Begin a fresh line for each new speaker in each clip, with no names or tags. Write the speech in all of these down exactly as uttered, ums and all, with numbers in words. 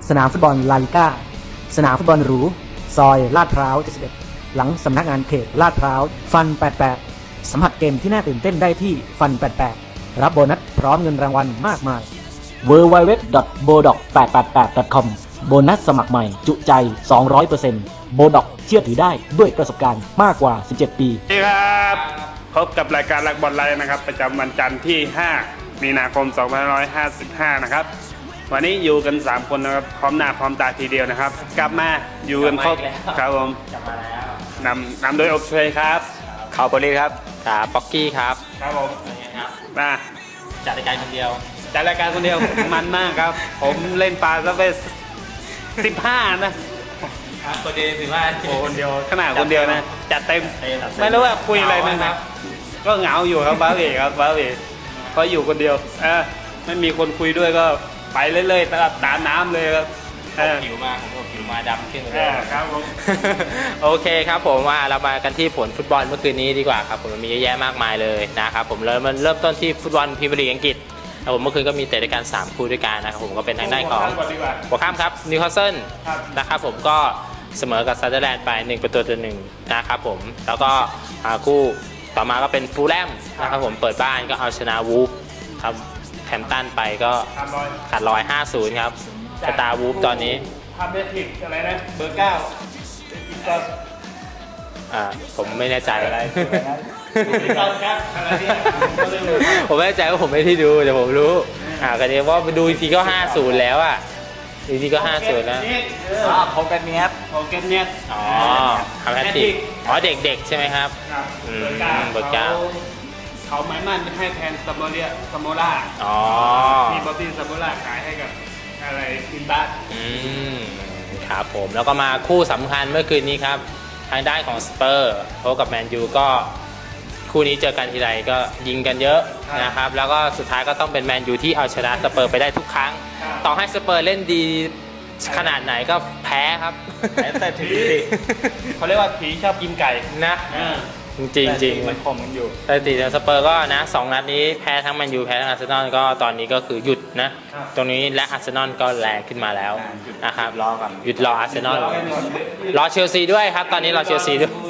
สนามฟุตบอลลาลิก้าสนามฟุตบอลหรูซอยลาดพร้าวเจ็ดสิบเอ็ดหลังสำนักงานเขตลาดพร้าวฟันแปดสิบแปดสัมผัสเกมที่น่าตื่นเต้นได้ที่ฟันแปดสิบแปดรับโบนัสพร้อมเงินรางวัลมากมาย ดับเบิลยู ดับเบิลยู ดับเบิลยู ดอท โบด็อก แปดแปดแปด ดอท คอม โบนัสสมัครใหม่จุใจ สองร้อยเปอร์เซ็นต์ โบด็อกเชื่อถือได้ด้วยประสบการณ์มากกว่าสิบเจ็ดปี
สวัสดีครับพบกับรายการรักบอลไลฟ์นะครับประจำวันจันทร์ที่ห้ามีนาคมสองพันห้าร้อยห้าสิบห้านะครับวันนี้อยู่กันสามคนนะครับพร้อมหน้าพร้อมตาทีเดียวนะครับกลับมาอยู่กันครบครับผมนำนำโดยอบเชยครับ
ข่าวโปรลีครับครับป๊อกกี้ครับ
ครับผม
ครับ
มา
จัดรายการคนเดียว
จัดรายการคนเดียว มันมากครับผมเล่นปลาซะไปสิบห้านะ
คนเดียวสิบห้า
คนเดียวขนาดคนเดียวนะจัดเต็มไม่รู้ว่าคุยอะไรนะครับก็เหงาอยู่ครับบ้าเอ๋ครับบ้าเอ๋เพราะอยู่คนเดียวเออไม่มีคนคุยด้วยก็ไปเรื่อยๆตามตามน้ำเลยครับ
ผิวมาผมก็ผิวมาดำขึ้นเลย
ครับผม
โอเคครับผมว่าเรามากันที่ผลฟุตบอลเมื่อคืนนี้ดีกว่าครับผมมีเยอะแยะมากมายเลยนะครับผมเริ่มมันเริ่มต้นที่ฟุตบอลพรีเมียร์ลีกอังกฤษครับผมเมื่อคืนก็มีเตะด้วยกันสามคู่ด้วยกันนะครับผมก็เป็นทางด้านของหัวข้ามครับนิวคาสเซิลนะครับผมก็เสมอกับซันเดอร์แลนด์ไปหนึ่งประตูต่อหนึ่งนะครับผมแล้วก็คู่ต่อมาก็เป็นฟูลแลมนะครับผมเปิดบ้านก็เอาชนะวูฟครับแฮมตันไปก็ขาดลอยห้าศูนย์ครับสตาร์วูฟตอนนี้
ทำได้ผิดอะไรนะเบอร์เก้า
อ่าผมไม่แน่ใจอะไร
ผม
ไม่แน่ใจว่าผมไม่ได้ดูแต่ผมรู้อ่าก็เดี๋ยวว่าไปดูอีกทีก็ห้าศูนย์แล้วอ่ะอีกทีก็ห้าศูนย์นะ
อ๋อโคเกนเนียสโคเกนเนียส
อ๋อทำแฮตติกอ๋อเด็กๆใช่ไหมครับ
อืมเบอร์เก้าเขาไม้มั่นให้แทนซัมโมเรียซัมโมล่า
อ๋อ
มีบ๊อบบี้ซัมโมล่าขายให้กับอะไรทีมบ้าน
อืมครับผมแล้วก็มาคู่สำคัญเมื่อคืนนี้ครับทางด้านของสเปอร์พบกับแมนยูก็คู่นี้เจอกันทีไรก็ยิงกันเยอะนะครับแล้วก็สุดท้ายก็ต้องเป็นแมนยูที่เอาชนะสเปอร์ไปได้ทุกครั้งต่อให้สเปอร์เล่นดีขนาดไหนก็แพ้ครับ
แต่ผีเขาเรียกว่าผีชอบกินไก่
นะจริงจริง
มันคมกันอยู่
แต่ตีสเปอร์ก็นะสองนัดนี้แพ้ทั้งแมนยูแพ้ทั้งอาร์เซนอลก็ตอนนี้ก็คือหยุดนะตรงนี้และอาร์เซนอลก็แรงขึ้นมาแล้วนะครับ
รอก่อน
หยุดรออาร์เซนอลรอเชลซีด้วยครับตอนนี้รอเชลซีด้วย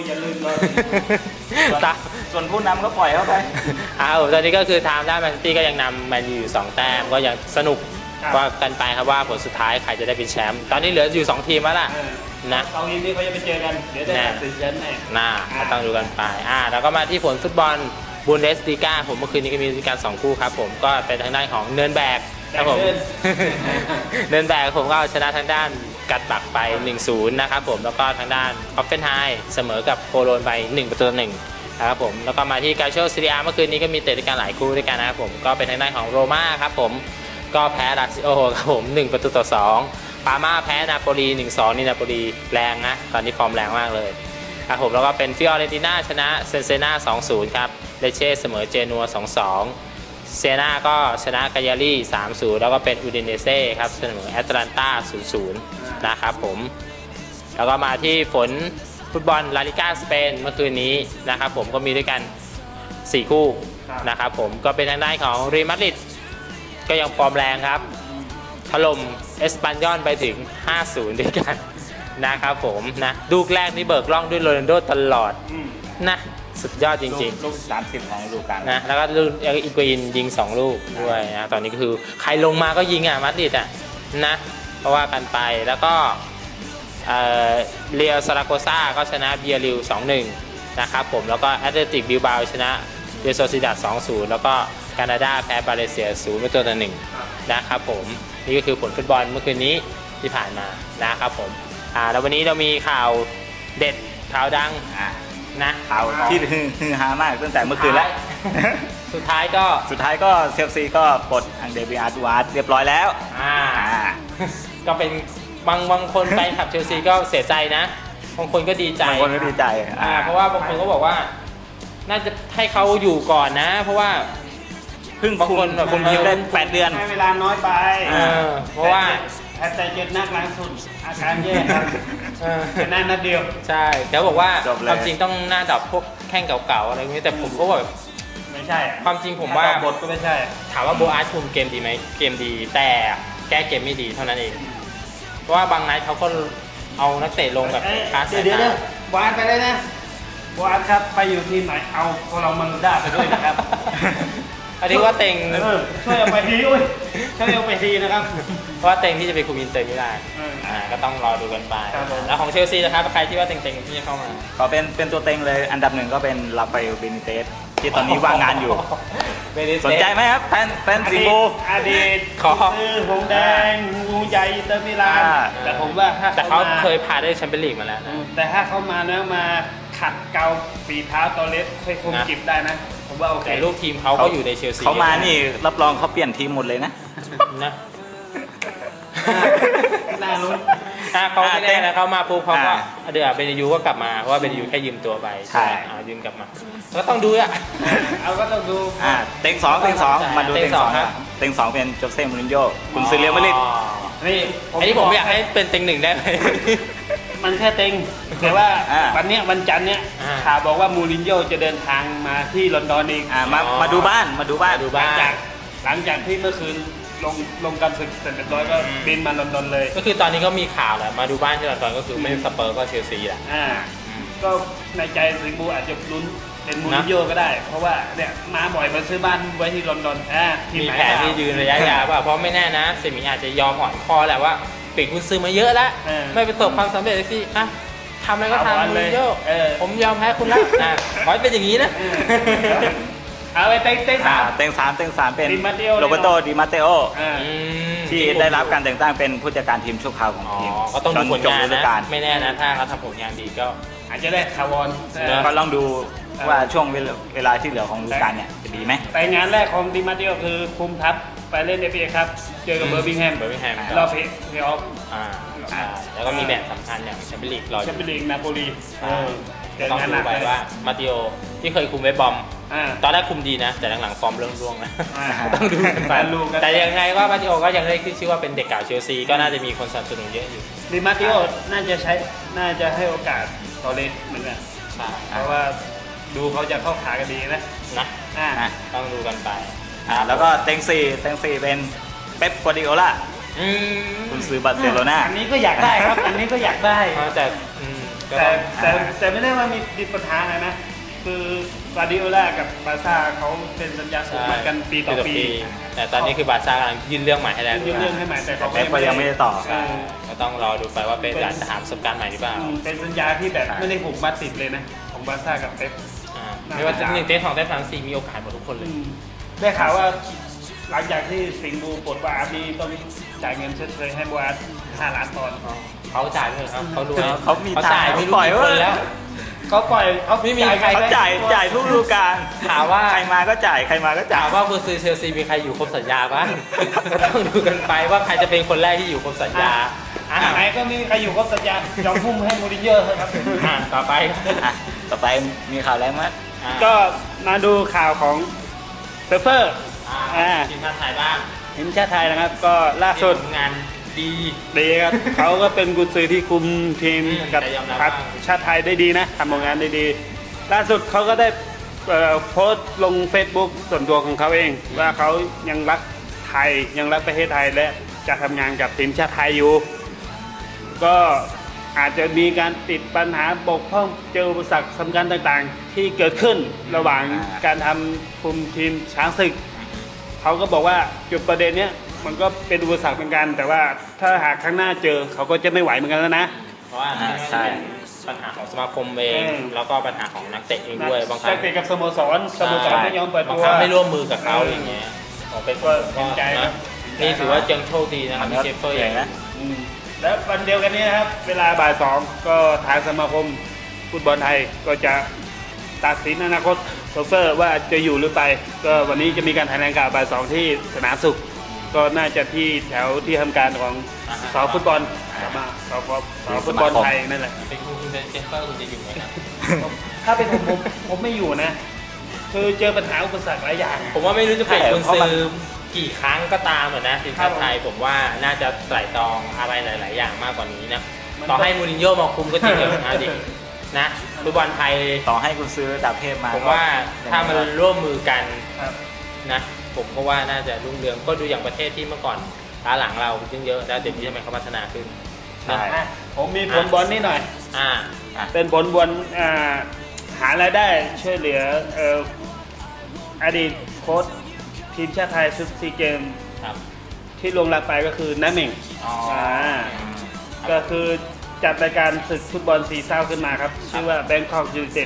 ส่วนผู้นำก็ปล่อยเข้าไป
อ้าวตอนนี้ก็คือทางด้านแมนซิตี้ก็ยังนำแมนยูอยู่สองแต้มก็ยังสนุกว่ากันไปครับว่าผลสุดท้ายใครจะได้เป็นแชมป์ตอนนี้เหลืออยู่สองทีมแล้วล่ะนะ
สองทีมนี้เขาจะไปเจอกันเดี๋ยวจะตัดสินแชมป์แน่
น่าต้องดูกันไปอ่าแล้วก็มาที่ผลฟุตบอลบูนเดสลีกาผมเมื่อคืนนี้ก็มีการสองคู่ครับผมก็เป็นทางด้านของเนิร์นแบกครับผมเนิร์นแบกผมก็เอาชนะทางด้านกัดบักไป หนึ่งศูนย์ นะครับผมแล้วก็ทางด้านออฟเฟนไฮเสมอกับโคโลนไปหนึ่งประตูต่อหนึ่งนะครับผมแล้วก็มาที่กาโชซีเรียเมื่อคืนนี้ก็มีเตะด้วยกันหลายคู่ด้วยกันนะครับผมก็เป็นทางด้านของโรม่าครับผมก็แพ้ลาซิโอครับผมหนึ่งประตูต่อสองปาม่าแพ้นาโปลี หนึ่งสอง นี่นาโปลีแรงนะตอนนี้ฟอร์มแรงมากเลยครับผมแล้วก็เป็นฟิออเรนติน่าชนะเซนเซน่า สองศูนย์ ครับเลเช่เสมอเจนัว สองสอง เซน่าก็ชนะกายารี่ สามศูนย์ แล้วก็เป็นอูดินเนเซ่ครับเสมอแอตแลนตา ศูนย์ศูนย์ นะครับผมแล้วก็มาที่ฝนฟุตบอลลาลิก้าสเปนเมื่อคืนนี้นะครับผมก็มีด้วยกันสี่คู่นะครับผมก็เป็นทางด้านของเรอัลมาดริดก็ยังฟอร์มแรงครับถล่มเอสปันยอลไปถึง ห้าศูนย์ ด้วยกันนะครับผมนะลูกแรกนี่เบิกล่องด้วยโรนัลโดตลอดนะสุดยอดจริง
ๆลูกสามสิบของฤดูกาล
นะแล้วก็ลูกอีกวินยิงสองลูกด้วยนะตอนนี้ก็คือใครลงมาก็ยิงอ่ะมาดริดอ่ะนะเพราะว่ากันไปแล้วก็เอ่อเรียลซาราโกซ่าก็ชนะเบียริล สองหนึ่ง นะครับผมแล้วก็แอตเลติกบิลบาโอชนะเรอัลโซซิดัด สองศูนย์ แล้วก็แคนาดาแพ้บาเลเซีย ศูนย์ประตูต่อหนึ่งนะครับผมนี่ก็คือผลฟุตบอลเมื่อคืนนี้ที่ผ่านมานะครับผมอ่าแล้ววันนี้เรามีข่าวเด็ดข่าวดังนะ
ข่าวที่ฮือฮามากตั้งแต่เมื่อคืนแล้ว
สุดท้ายก็
สุดท้ายก็เชลซีก็ปลดอังเดรเบียดูอาร์ตเรียบร้อยแล้ว
อ่าก็เป็นบางบางคนไปขับเชลซีก็เสียใจนะบางคนก็ดีใจ
บางคนก็ดีใจ
อ่าเพราะว่าบางคนก็บอกว่าน่าจะให้เขาอยู่ก่อนนะเพราะว่า
เพิ่งบางคนคุมทีมได้แปดเดือนให้เวลาน้อยไป
เพราะว่า
แต่เจ็ดนัดหลังสุดอาการแย่ครับชนะนัดเดียว
ใช่เขาบอกว่าความจริงต้องหน้าดับพวกแข้งเก่าๆอะไรอย่างนี้แต่ผมก็แบบ
ไม่ใช่
ความจริงผมว่า
บทก็ไม่ใช่
ถามว่าโบอาร์คุมเกมดีไหมเกมดีแต่แก้เกมไม่ดีเท่านั้นเองราะว่าบางไนท์เขาก็เอานักเตะลงแบบคลาส
เดี๋ยวเดี๋ยวเดี๋ยวบอลไปเลยนะบอลครับไปอยู่ทีมไหนเอาพวกเรามันได้ไปด้วยนะครับ
อันนี้ว่าเต็ง
เออช่วยเอาไปทีอุ้ยช่วยเอาไปทีนะครับ
เพราะว่าเต็งที่จะไปคุมอินเตอร์มิลาน
เอออ่
อ่าก็ต้องรอดูกันไป
ครับผม
แล้วของเชลซีนะครับใครที่ว่าเต็งๆที่จะเข้ามา
ก็เป็นเป็นตัวเต็งเลยอันดับหนึ่งก็เป็นลาฟาเอลเบนิเตสที่ตอนนี้ว่างงานอยู่
เบนิเตส
สนใจไหมครับแฟนแฟน
อ
สิง
ดี
ห์
ต
บู
อดีต
ขอ
คือหงแดงงูใหญ่อินเตอร์มิลาน
อ่า
แต่ผมว่าถ้า
แต่เขา
มา
เคยพาได้แชมเปี้ยนลีกมาแล้ว
อื
นะ
มแต่ถ้าเขามาแล้วมาขัดเกลาฝีเท้าตอเลสให้คุม
นะ
จิบได้นะ ผมว่าโอเค
แต่ลูกทีมเขาก็อยู่ในเชลซี
เขามานี่รับรองเขาเปลี่ยนทีมหมดเลยนะ
นะ
น่าลุ้น
ถ้าเขาไม่ได้นะเขามาปุ๊บเขาก็
อ่า
เดี๋ยวเบนยูก็กลับมาเพราะว่าเบนยูแค่ยืมตัวไป
ใช่
อ่ายืมกลับมาก็ต้องดูอ่ะ
เอาก็ต้องดู
อ่าเต็งสองเต็งสองมาดู
เต็
เต็
ง
ง
ส
ส
อ
อง ง
ครับ
เต็งสองเป็นโจเซ่มูรินโญ่คุณซื้อเรียลมาดริด
นี่
อันนี้ผมอยากให้เป็นเต็งหนึ่งได้ไหม
มันแค่เต็ง แต่ว่า
อ่า
วันเนี้ยวันจันทร์เนี้ย
อ่า
ข่าวบอกว่ามูรินโญ่จะเดินทางมาที่ลอนดอนเอง
อ่ามา
อ๋อ
มาดูบ้านมาดูบ้าน
มาดู
ห
บ้า
ลั
น
งจากหลังจากที่เมื่อคืนลงลงการศึกเสร็จเรียบร้อยก็บินมาลอนดอนเลย
ก็คือตอนนี้ก็มีข่าวแหละมาดูบ้านที่ลอนดอนก็คือไม่สเปอร์ก็เชลซีแหละ
อ่า
อืม
ก็ในใจสิงห์บูอาจจะลุ้นเป็นมูรินโญ่ก็ได้ เพราะว่าเนี่ยมาบ่อยมาซื้อบ้านไว้ที่ลอนดอนอ่าที
มี
ไหน
แผนที่ยืนระยะยาวป่ะเพราะไม่แน่นะเซมิอาจจะยอมอ่อนคอแหละว่าเปลี่ยนคุณซื้อมาเยอะแล้ว
เออ
ไม่ประสบความสำเร็จเลยสิอ่ะทำอะไรก็
เอาบอล
ทำมู
เลย
รินโญ่
เออ
ผมยอมแพ้คุณแล้วอ่ะขอให้เป็นอย่างนี้นะ
เอาไปเต็งเต็ง
อ่า
สาม
เต็งสามเต็งสามเป็น
ดิมาเตโอ
โรเบโตดิมาเตโอ
อ่า
อืม
ที่ได้รับการแต่งตั้งเป็นผู้จัดการทีมชั่วคราวของ
อ๋อ
ทีม
ก็ต้องดูผล
จนจบ
งาน
ฤดู
นะ
กาล
ไม่แน่นะถ้าเขาทำผลงานดีก็
อาจจะได้คาร์บอน
เนอะ
ก็ลองดูว่าช่วงเวลาเวลาที่เหลือของฤดูกาลเนี่ยจะดีไหม
แต่งานแรกของดิมาเตโอคือคุมทัพไปเล่นเอฟเอครับ เจอกับเบอร์มิงแฮม
เบอร์มิงแฮม
รอบเพลย์เพลย์ออฟ
อ่าใช่แล้วก็มีแมตช์สำคัญอย่างแชมเปี้ยนลีกรออ
แชม
ยู่
เปี้ยนลีกนาโปลีเออเจอ
ต้อง
งาน
ดู
หนัก
ไป
เลย
ว่ามาติโอที่เคยคุมเวสบอม
อ่า
ตอนแรกคุมดีนะ แต่หลังๆฟอร์มเริ่มร่วงนะ
อ่า
ต้องดูกันไป
ต้องดูกัน
แต่ยังไงว่ามาติโอก็ยังได้ขึ้นชื่อว่าเป็นเด็กเก่าเชลซีก็น่าจะมีคนสนับสนุนเยอะอยู่
ดิมาเตโอน่าจะใช้น่าจะให้โอกาสตอเลสเหมือนกัน
ใช่
เพราะว่าดูเขาจะเข้าขากันดีนะ
นะ
อ่า
อ่ะ
ต้องดูกันไป
อ่าแล้วก็เต็งสี่เต็งสี่เป็นเป๊ปกัวร์ดิโอล่า
อืม
คุณซื้อบาร์เซโลนา
อันนี้ก็อยากได้ครับ อันนี้ก็อยากได้
แต่อืมก็
แต่
ต้อง
แต่แต่ไม่ได้ว่ามีมีปัญหาอะไรนะ คือกวาร์ดิโอล่ากับบาร์ซ่าเขาเป็นสัญญาสูงเหมือนกันปีต่อปี
แต่ตอนนี้คือบาร์ซ่ากำลังยื่นเรื่องใหม่ให้แล้ว
ยื่นเรื่องให้ใหม่แต่เขา
เป๊ปก็ยังไม่ได้ต่อ
เออ
ก็ต้องรอดูไปว่าเป็นอยากจะหาประสบการณ์ใหม่หรือเปล่า
อืมเป็นสัญญาที่แบบไม่ได้ผูกมัดติดเลยนะ ของบาร์ซ่ากับเป๊ป
อ่าไม่ว่าจะหนึ่งเต้สองเต้สามสี่มีโอกาสหมดทุกคนเลย
อืมได้ข่าวว่าหลังจากที่สิงห์บูปลดวาอาร์นี่ต้องจ่ายเงินชดเชยให้บัวอาร์ห้าล้านปอนด์
เขาจ่ายไปเลยครับเขารวย
เขามี
เขาจ่าย
ตังค์
ไม่รู้
ปล่อย
กี่คน
ไว้
แล้ว
เขาปล่อยเขา
ไม่มีใคร
เขาจ่ายจ่ายทุกฤดูกาล
ถามว่า
ใครมาก็จ่ายใครมาก็จ่า
ถาย มว่าคุณซื้อเชลซีมีใครอยู่ครบสัญญาบ้าง ก็ต้องดูกันไปว่าใครจะเป็นคนแรกที่อยู่ครบสัญญาอ่ะ
ไหนก็ไมมีใครอยู่ครบสัญญายอมพุ่มให้มูรินโญ่ครับ
อ่ะต่อไป
อ่ะต่อไปมีข่าวอะไรไหม
อ่ะ
ก็มาดูข่าวของเซฟเฟอร์
อ่ะ
อ่า
ทีมชาติไทยบ้าง
ทีมชาติไทยนะครับ ก็ล่าสุด
ผลงานดี
ดีครับ เขาก็เป็นกุญซือที่คุมทีม
อืม
กับ
แต่ยอมรับ
ทัพ
ว่า
ชาติไทยได้ดีนะทำผลงานได้ดี ล่าสุดเขาก็ได้เอ่อโพสต์ลง Facebook ส่วนตัวของเขาเอง ว่าเขายังรักไทยยังรักประเทศไทยและจะทำงานกับทีมชาติไทยอยู่ ก็อาจจะมีการติดปัญหาบกพร่องเจออุปสรรคสำคัญต่างๆ ที่เกิดขึ้นระหว่างการทำคุมทีมช้างศึก เขาก็บอกว่าจุดประเด็นเนี้ยมันก็เป็นอุปสรรคเหมือนกัน แต่ว่าถ้าหากครั้งหน้าเจอเขาก็จะไม่ไหวเหมือนกันแล้วนะ
เพราะว่า
อ่าใช่
ปัญหาของสมาคมเอง
เออ
แล้วก็ปัญหาของนักเตะเองด้วยบางครั้
นั
ง
กเตะกับสโมสรสโมสรไม่ยอมเปิด
บาง
ตัว
ครั้งไม่ร่วมมือกับเขา
เออ
อย่างเงี้ยผมเป็น
ก็เห็นใจครั
นะ
บ
นี่ถือว่ายังโชคดีนะครับ
อัน
มี
นี้
เชฟเฟอร์
เก่
อย่าง ง
นะ
อืมแล้ววันเดียวกันนี้นะครับ เวลาบ่ายสองก็ทางสมาคมฟุตบอลไทยก็จะตัดสินอนาคตโซเฟอร์ว่าจะอยู่หรือไป ก็วันนี้จะมีการแถลงข่าวบ่ายสองที่สนามสุข ก็น่าจะที่แถวที่ทำการของสอฟุตบอลสมาสอสอฟุตบอลไทยนั่นแหละ
เป็นคุณคุณเป็นเชฟเฟอร์คุณจะอยู่ไหมครับ
ถ้าเป็นผมผมผมไม่อยู่นะ คือเจอปัญหาอุปสรรคหลายอย่าง
ผมว่าไม่รู้จะเปลี่ยน
ใช่
คุณ
เพราะ
ซื้
มัน
อกี่ครั้งก็ตามเหมือนนะทีมชาติไทยผมว่าน่าจะไตร่ตรองอะไรหลาย ๆ อย่างมากกว่านี้นะ
มัน
ต่อให้มูรินโญ่มาคุมก็จริงเหรอนะดินะฟุตบอลไทย
ต่อให้คุณซื้อดาบเทพมา
ผมว่าถ้ามันร่วมมือกัน
ครับ
นะผมก็ว่าน่าจะรุ่งเรืองก็ดูอย่างประเทศที่เมื่อก่อนล้าหลังเราซึ่งเยอะแล้วเดี๋ยวนี้ทำไมเขาพัฒนาขึ้น
ใช่
อ่ะผมมีผลบอลนิดหน่อย
อ่า
เป็นผลบอลอ่าหารายได้ช่วยเหลือเอ่ออดีตโค้ชทีมชาติไทยชุดซีเกม
ครับ
ที่ลงรับไปก็คือน้าเหม่ง
อ๋ออ่
าก็คือจัดรายการศึกฟุตบอลซีเศร้าขึ้นมาครับ ชื่อว่า Bangkok United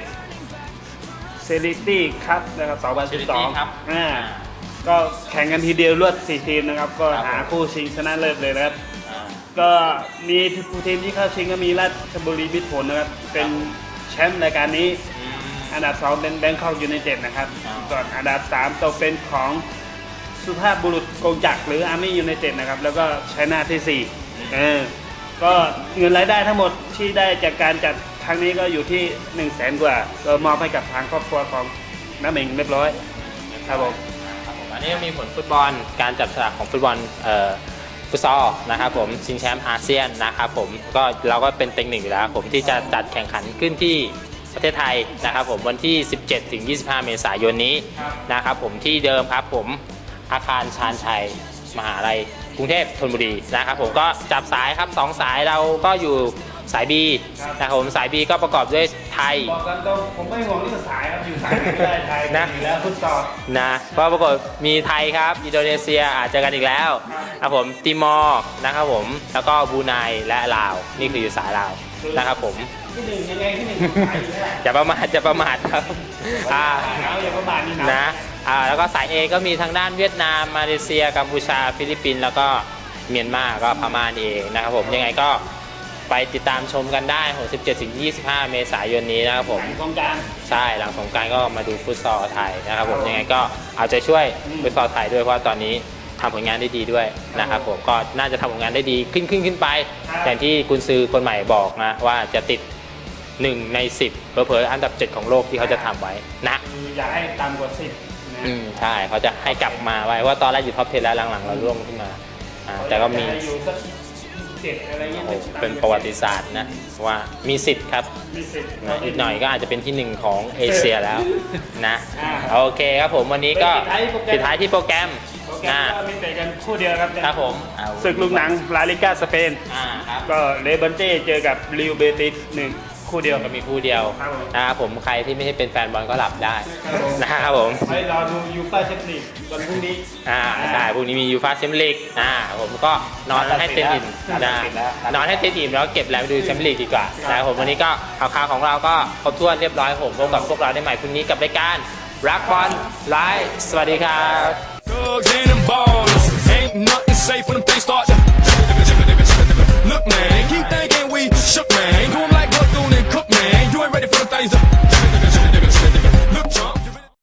Charity Cup นะครับสองพันสิบสอง
ครับ
อ่าก็แข่งกันทีเดียวรวดสี่ทีมนะครับ ก็
ครับ
หาคู่ชิงชนะเลิศเลยนะครับ
อ่า
ก็มีทีมที่เข้าชิงก็มีราชบุรีมิตรผลนะครับ เป็นแชมป์รายการนี้
อืม
อันดับสองเป็น Bangkok United นะครับ
อ๋อ
ส่วนอันดับสามตกเป็นของสุภาพบุรุษกงจักรหรือ Army United นะครับ แล้วก็ชัยนาทที่สี่เออก็เงินรายได้ทั้งหมดที่ได้จากการจัดครั้งนี้ก็อยู่ที่หนึ่งแสนกว่าก็มอบให้กับทางครอบครัวของน้าเหม่งเรียบร้อยครับผม
ครับผมอันนี้มีผลฟุตบอลการจับฉลากของฟุตบอลเอ่อฟุตซอลนะครับผมชิงแชมป์อาเซียนนะครับผมก็เราก็เป็นเต็งหนึ่งอยู่แล้วผมที่จะจัดแข่งขันขึ้นที่ประเทศไทยนะครับผมวันที่ สิบเจ็ดถึงยี่สิบห้า เมษายนนี้นะครับผมที่เดิมครับผมอาคารชาญชัยมหาลัยกรุงเทพธนบุรีนะครับผมก็จับสายครับสองสายเราก็อยู่สาย B นะครับผมสาย B ก็ประกอบด้วยไทย
บอกกันตรงผมไม่ห่วงเรื่องสายครับอยู่สายไหนก็ได้ไทย
นะ
อยู่แล้วฟุตซอล
นะเพราะปรากฏมีไทยครับอินโดนีเซียอาจจะกันอีกแล้วครับผมติมอร์นะครับผมแล้วก็บรูไนและลาวนี่คืออยู่สายลาวนะครับผม
ที่หนึ่งยังไงที่หนึ่งสายอยู่แล้ว
อย่าประมาทอย่าประมาทครับอ่า
เอาอย่าประมาทนี่
นะอ่าแล้วก็สาย A ก็มีทางด้านเวียดนามมาเลเซียกัมพูชาฟิลิปปินส์แล้วก็เมียนมาก็พม่านี่เองนะครับผมยังไงก็ไปติดตามชมกันได้สิบเจ็ดถึงยี่สิบห้า เมษายนนี้นะครับผม
ตรงกลาง
ใช่หลังสงกรานต์ก็มาดูฟุตซอลไทยนะครับผมยังไงก็เอาใจช่วยฟุตซอลไทยด้วยเพราะว่าตอนนี้ทำผลงานได้ดีด้วยนะครับผมก็น่าจะทำผลงานได้ดีขึ้นขึ้นขึ้นไปอย่างที่กุนซือคนใหม่บอกนะว่าจะติดหนึ่งในสิบเผลอๆอันดับเจ็ดของโลกที่เขาจะทำไว้นะ
คืออยากให้ต่ำกว่าสิบนะ
อืมใช่เขาจะให้กลับมาไว้ว่าตอนแรกอยู่ท็อปสิบแล้วหลังๆเราร่วงขึ้นมาอ่าแต่ก็มี
อยาให้อยู่สักเจ็ดอะไรเงี้ย
โอ้โหเป็นประวัติศาสตร์นะว่ามีสิทธิ์ครับ
มีสิบ
นะอีกหน่อยก็อาจจะเป็นที่หนึ่งของเอเชียแล้วนะ
อ่า
โอเคครับผมวันนี้ก็
ปิ
ปิ
ด
ด
ท้า
ท้าย ย
ที่
ที่
โป
โป
ร
ร
แก
แก
ร
ร
ม
ม
โปรแกรม
นะ
ก็มีแต่กันคู่เดียวครับ
ครับผม
ศึกลูกหนังลาลิก้าสเปน
อ่าครับ
ก็เลเบนเต้เจอกับลิวเบติสหนึ่งคู่เดียว
ก็มีคู่เดียว
ครับผม
นะครับผมใครที่ไม่ใช่เป็นแฟนบอลก็หลับได้นะครับผม
ไว้รอดูยูฟ่าแชมเปี้ยนลีกวันพรุ่งนี้
อ่าใช่พรุ่งนี้มียูฟ่าแชมเปี้ยนลีกอ่าผมก็นอนให้เต็มอิ่มนะนอนให้เต็มอิ่มแล้วเก็บแรงไปดูแชมเปี้ยนลีกดีกว่านะครับผมวันนี้ก็ข่าวๆของเราก็ครบถ้วนเรียบร้อยผมพบกับพวกเราได้ใหม่พรุ่งนี้กับรายการรักบอลไลฟ์สวัสดีครับ
Drugs and them balls, ain't nothing